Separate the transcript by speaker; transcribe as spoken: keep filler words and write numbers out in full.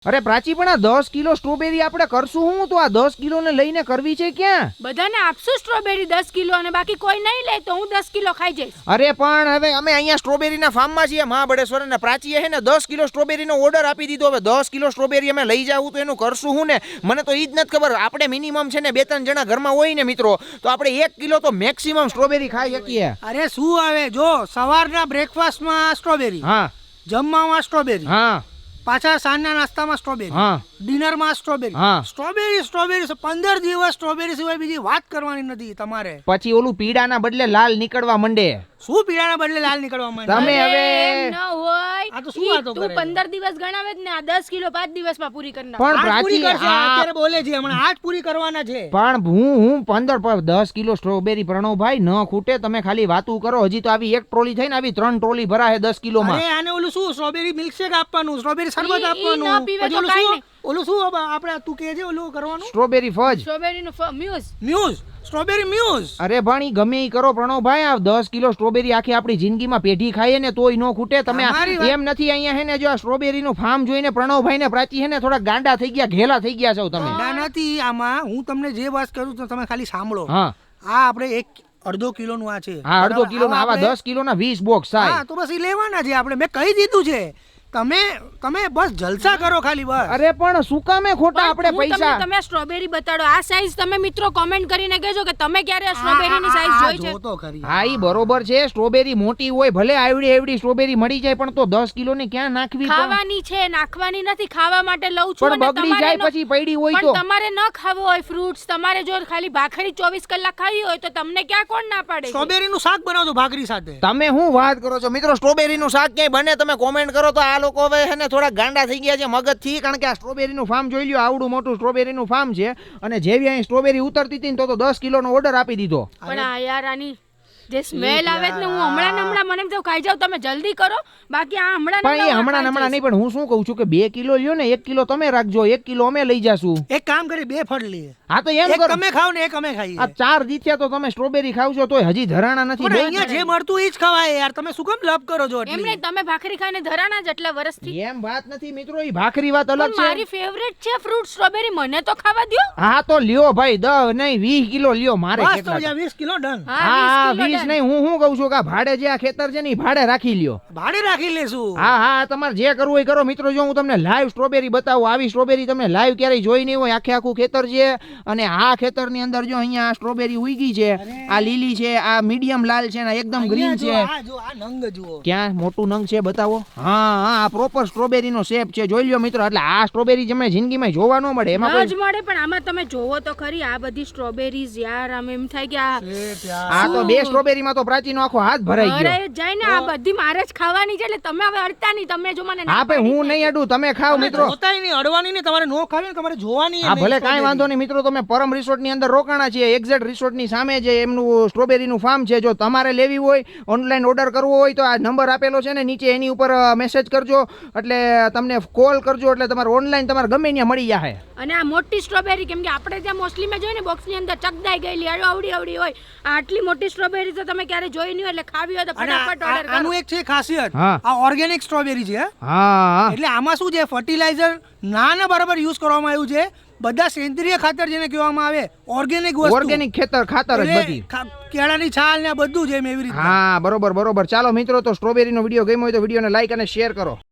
Speaker 1: અરે પ્રાચી પણ આ દસ કિલો સ્ટ્રોબેરી આપણે કરશું હું તો આ દસ કિલો ને લઈને કરવી છે ક્યાં?
Speaker 2: બધાને આપશું સ્ટ્રોબેરી દસ કિલો અને બાકી કોઈ નહીં લે તો હું દસ કિલો ખાઈ જઈશ.
Speaker 1: અરે પણ હવે અમે અહીંયા સ્ટ્રોબેરીના ફાર્મમાં છીએ મહાબળેશ્વર અને પ્રાચીએ હે ને દસ કિલો સ્ટ્રોબેરીનો ઓર્ડર આપી દીધો. હવે દસ કિલો સ્ટ્રોબેરી અમે લઈ જાવું તો એનું કરશું હું ને મને તો ઈ જ નથી ખબર. આપણે મિનિમમ છે ને બે ત્રણ જણા ઘરમાં હોય ને મિત્રો તો આપણે એક કિલો તો મેક્સિમમ સ્ટ્રોબેરી ખાઈ શકીએ.
Speaker 3: અરે શું આવે જો સવારના બ્રેકફાસ્ટમાં સ્ટ્રોબેરી,
Speaker 1: હા
Speaker 3: જમવામાં સ્ટ્રોબેરી,
Speaker 1: હા
Speaker 3: પાછા સાંજના નાસ્તામાં સ્ટ્રોબેરી,
Speaker 1: હા
Speaker 3: ડિનરમાં સ્ટ્રોબેરી,
Speaker 1: હા.
Speaker 3: સ્ટ્રોબેરી સ્ટ્રોબેરી પંદર દિવસ સ્ટ્રોબેરી સિવાય બીજી વાત કરવાની નથી તમારે.
Speaker 1: પછી ઓલું પીડાના બદલે લાલ નીકળવા માંડે.
Speaker 3: શું પીળાના બદલે લાલ નીકળવા માંડે?
Speaker 1: તમે
Speaker 2: અરે,
Speaker 1: હવે
Speaker 2: એમ ન હોય.
Speaker 3: આ તો શું
Speaker 2: ઈ
Speaker 3: વાતો
Speaker 2: તું
Speaker 3: કરે?
Speaker 2: પંદર દિવસ ગણાવે જ ને આ દસ કિલો પાંચ દિવસમાં પૂરી કરી નાખ.
Speaker 1: પણ
Speaker 3: આજ પૂરી
Speaker 1: પ્રાચી
Speaker 3: કરશે,
Speaker 1: આ
Speaker 3: અત્યારે બોલે છે હમણાં આજ પૂરી કરવાના છે.
Speaker 1: પણ હું હું પંદર પર દસ કિલો સ્ટ્રોબેરી પ્રણવભાઈ ન ખૂટે. તમે ખાલી વાતું કરો. હજી તો આવી એક ટ્રોલી થઈ ને આવી ત્રણ ટ્રોલી ભરાય દસ કિલોમાં.
Speaker 3: અરે આને ઓલું શું સ્ટ્રોબેરી મિલ્કશેક આપવાનું, સ્ટ્રોબેરી શરબત
Speaker 2: ઈ- ઈ
Speaker 3: આપવાનું,
Speaker 2: ન પીવે
Speaker 3: પછી
Speaker 2: તો
Speaker 3: ઓલું
Speaker 2: કાંઈ
Speaker 3: શું
Speaker 2: નહીં.
Speaker 3: ઓલું શું હવે આપણે તું કહે છે ઓલું કરવાનું
Speaker 1: સ્ટ્રોબેરી ફજ.
Speaker 2: સ્ટ્રોબેરીનું ફ- મ્યુઝ.
Speaker 3: Mousse, strawberry mousse.
Speaker 1: અરે ભાણી ગમે ઈ કરો પ્રણવભાઈ આ દસ કિલો સ્ટ્રોબેરી આખી આપણી જિંદગીમાં પેઢી ખાઈએ ને તોય ન ખૂટે. તમે આ-
Speaker 3: તમારી વાત-
Speaker 1: એમ નથી અહીંયા હે ને જો આ સ્ટ્રોબેરી નું ફાર્મ જોઈને પ્રણવભાઈ ને પ્રાચી હે ને થોડા ગાંડા થઈ ગયા, ઘેલા થઈ ગયા છો તમે.
Speaker 3: ના નથી આમાં. હું તમને જે વાત કરું તો તમે ખાલી સાંભળો.
Speaker 1: હા
Speaker 3: આ આપણે એક અડધો કિલો નું આ છે.
Speaker 1: હા અડધો
Speaker 3: બરાબર?
Speaker 1: કિલો ના આવા
Speaker 3: આપણે-
Speaker 1: દસ કિલો ના વીસ બોક્સ થાય.
Speaker 3: હા તો બસ ઈ લેવાના છે આપણે. મેં કહી દીધું છે. તમે તમે બસ જલસા કરો ખાલી બસ.
Speaker 1: અરે પણ શું કામે ખોટા આપણે
Speaker 2: હું તમને-
Speaker 1: પૈસા?
Speaker 2: તમે આ સ્ટ્રોબેરી બતાડો. આ સાઈઝ તમે મિત્રો કોમેન્ટ કરીને કહેજો કે તમે ક્યારે આ સ્ટ્રોબેરીની સાઈઝ
Speaker 3: આ
Speaker 2: જોઈ છે.
Speaker 3: જો તો ખરી.
Speaker 1: હા ઈ બરોબર છે. સ્ટ્રોબેરી મોટી હોય ભલે આવડી આવડી સ્ટ્રોબેરી મળી જાય પણ તો દસ કિલો ની ક્યાં નાખવી? તો?
Speaker 2: ખાવાની છે, નાખવાની નથી. ખાવા માટે લઉં છું
Speaker 1: પણ
Speaker 2: અને
Speaker 1: બગડી
Speaker 2: તમારે
Speaker 1: જાય
Speaker 2: ન-
Speaker 1: પછી પડી હોય
Speaker 2: પણ
Speaker 1: તો
Speaker 2: તમારે ન ખાવું હોય ફ્રૂટ્સ, તમારે જો ખાલી ભાખરી ચોવીસ કલાક ખાવી હોય તો તમને ક્યાં કોણ ના પાડે છે?
Speaker 3: સ્ટ્રોબેરી નું શાક બનાવજો ભાખરી સાથે.
Speaker 1: તમે શું વાત કરો છો મિત્રો? સ્ટ્રોબેરી નું શાક ક્યાંય બને? તમે કોમેન્ટ કરો તો આ લોકો હવે છે ને થોડા ગાંડા થઈ ગયા છે મગજ થી. કારણ કે આ સ્ટ્રોબેરી નું ફાર્મ જોઈ લ્યો, આવડું મોટું સ્ટ્રોબેરી નું ફાર્મ છે અને જેવી અહીં સ્ટ્રોબેરી ઉતરતી હતી ને તો તો દસ કિલો નો ઓર્ડર આપી દીધો.
Speaker 2: પણ આ યાર આની જે સ્મેલ આવે છે ને હું હમણાં ને હમણાં મને એમ થયું ખાઈ જાવ. તમે જલ્દી કરો બાકી આ હમણાં ને
Speaker 1: પણ એ
Speaker 2: હમણાં
Speaker 1: હમણાં ને
Speaker 2: ખાઈ
Speaker 1: હમણાં નહીં. પણ હું શું કહું છું કે બે કિલો લ્યો ને એક કિલો તમે રાખજો, એક કિલો અમે લઈ જાશું.
Speaker 3: એક કામ કરી બે ફળ લઈએ.
Speaker 1: હા તો એમ
Speaker 3: એક
Speaker 1: કરો.
Speaker 3: તમે ખાવ ને એક અમે ખાઈએ.
Speaker 1: આ ચાર દીથ્યા તો તમે સ્ટ્રોબેરી ખાવશો તોય હજી ધરાણા નથી.
Speaker 3: પણ અહીંયા જે મળતું એ જ ખવાય યાર. તમે શું કેમ લપ કરો છો
Speaker 2: જાય.
Speaker 3: એટલી?
Speaker 2: એમને તમે ભાખરી ખાઈને ધરાણા જ એટલા વર્ષથી.
Speaker 1: એમ વાત નથી મિત્રો, ઈ ભાખરી વાત અલગ
Speaker 2: પણ
Speaker 1: છે.
Speaker 2: મારી ફેવરેટ છે ફ્રૂટ સ્ટ્રોબેરી. મને તો ખાવા દ્યો.
Speaker 1: હા તો લ્યો ભાઈ દસ નહીં વીસ કિલો લ્યો. મારે
Speaker 3: બસ તો
Speaker 1: કેટલા?
Speaker 3: જ્યાં વીસ કિલો ડન.
Speaker 2: હા
Speaker 1: હા
Speaker 2: વીસ કિલો
Speaker 1: વીસ
Speaker 2: done.
Speaker 1: નહીં. હું શું કહું છું કે આ ભાડે જે આ ખેતર છે ને ઈ ભાડે રાખી લ્યો.
Speaker 3: ભાડે રાખી લેશું.
Speaker 1: હા હા તમારે જે કરવું હોય કરો મિત્રો. જો હું તમને લાઈવ સ્ટ્રોબેરી બતાવું, આવી સ્ટ્રોબેરી તમે લાઈવ ક્યારેય જોઈ નહીં હોય. આખે આખું ખેતર છે અને આ ખેતરની અંદર જો અહીંયા આ સ્ટ્રોબેરી ઉગી છે, આ લીલી છે, આ મીડિયમ લાલ છે ને એકદમ ગ્રીન
Speaker 3: અહીંયા
Speaker 1: છે.
Speaker 3: જો, આ જો આ નંગ જુઓ.
Speaker 1: ક્યાં મોટું નંગ છે બતાવો. હા હા આ પ્રોપર સ્ટ્રોબેરી નો શેપ છે, જોઈ લ્યો મિત્રો. એટલે આ સ્ટ્રોબેરી તમને જિંદગીમાં જોવા ન મળે. એમાં
Speaker 2: ના જ
Speaker 1: કોઈ
Speaker 2: મળે. પણ આમાં તમે જોવો તો ખરી આ બધી સ્ટ્રોબેરીઝ યાર. આમ એમ થાય કે આ
Speaker 3: શેઠ યાર.
Speaker 1: આ તો બે સ્ટ્રોબેરી માં તો પ્રાચીનો આખો હાથ ભરાઈ ગયો.
Speaker 2: અરે જાય ને આ બધી મારે જ ખાવાની છે. એટલે તમે હવે અડતા નહીં. તમે જો મને ના
Speaker 1: હા ભાઈ
Speaker 2: પાડી
Speaker 1: હું
Speaker 2: છે.
Speaker 1: નહીં અડું, તમે ખાવ
Speaker 3: તમે
Speaker 1: મિત્રો.
Speaker 3: જોતાય નહીં, અડવાની નહીં. તમારે નો ખાવી ને તમારે જોવાની
Speaker 1: હા ભલે કાંઈ વાંધો નહીં મિત્રો. તમે પરમ રિસોર્ટ ની અંદર રોકાણા છીએ. એક્ઝેક્ટ રિસોર્ટ ની સામે જે એમનું સ્ટ્રોબેરી નું ફાર્મ છે. જો તમારે લેવી હોય, ઓનલાઈન ઓર્ડર કરવો હોય તો આ નંબર આપેલો છે ને નીચે, એની ઉપર મેસેજ કરજો એટલે તમને કોલ કરજો એટલે તમારે ઓનલાઈન તમારે ગમે ત્યાં મળી જાય.
Speaker 2: અને આ મોટી સ્ટ્રોબેરી કેમ કે આપણે ત્યાં મોસ્ટલી મેં જોઈ ને બોક્સ ની અંદર ચકદાઈ ગયેલી આવડી આવડી હોય. આ આટલી મોટી સ્ટ્રોબેરી તો તમે ક્યારે જોઈ નહીં હોય. એટલે ખાવી હોય તો
Speaker 3: અને આ-
Speaker 2: ફટાફટ
Speaker 3: આ-
Speaker 2: ઓર્ડર
Speaker 3: આનું
Speaker 2: કરો.
Speaker 3: એક છે ખાસિયત.
Speaker 1: હા.
Speaker 3: આ ઓર્ગેનિક સ્ટ્રોબેરી છે.
Speaker 1: હા
Speaker 3: એટલે આમાં શું છે, ફર્ટિલાઇઝર ના ના બરાબર યુઝ કરવામાં આવ્યું છે. બધા સેન્દ્રિય ખાતર જેને કહેવામાં આવે, ઓર્ગેનિક વસ્તુ.
Speaker 1: ઓર્ગેનિક ખેતર ખાતર જ
Speaker 3: એટલે
Speaker 1: બધી.
Speaker 3: ખા- કેળાની છાલ ને આ બધું છે એમ એવી રીતે.
Speaker 1: હા બરોબર બરોબર. ચાલો મિત્રો તો સ્ટ્રોબેરી નો વિડીયો ગમ્યો હોય તો વિડીયોને લાઈક અને શેર કરો.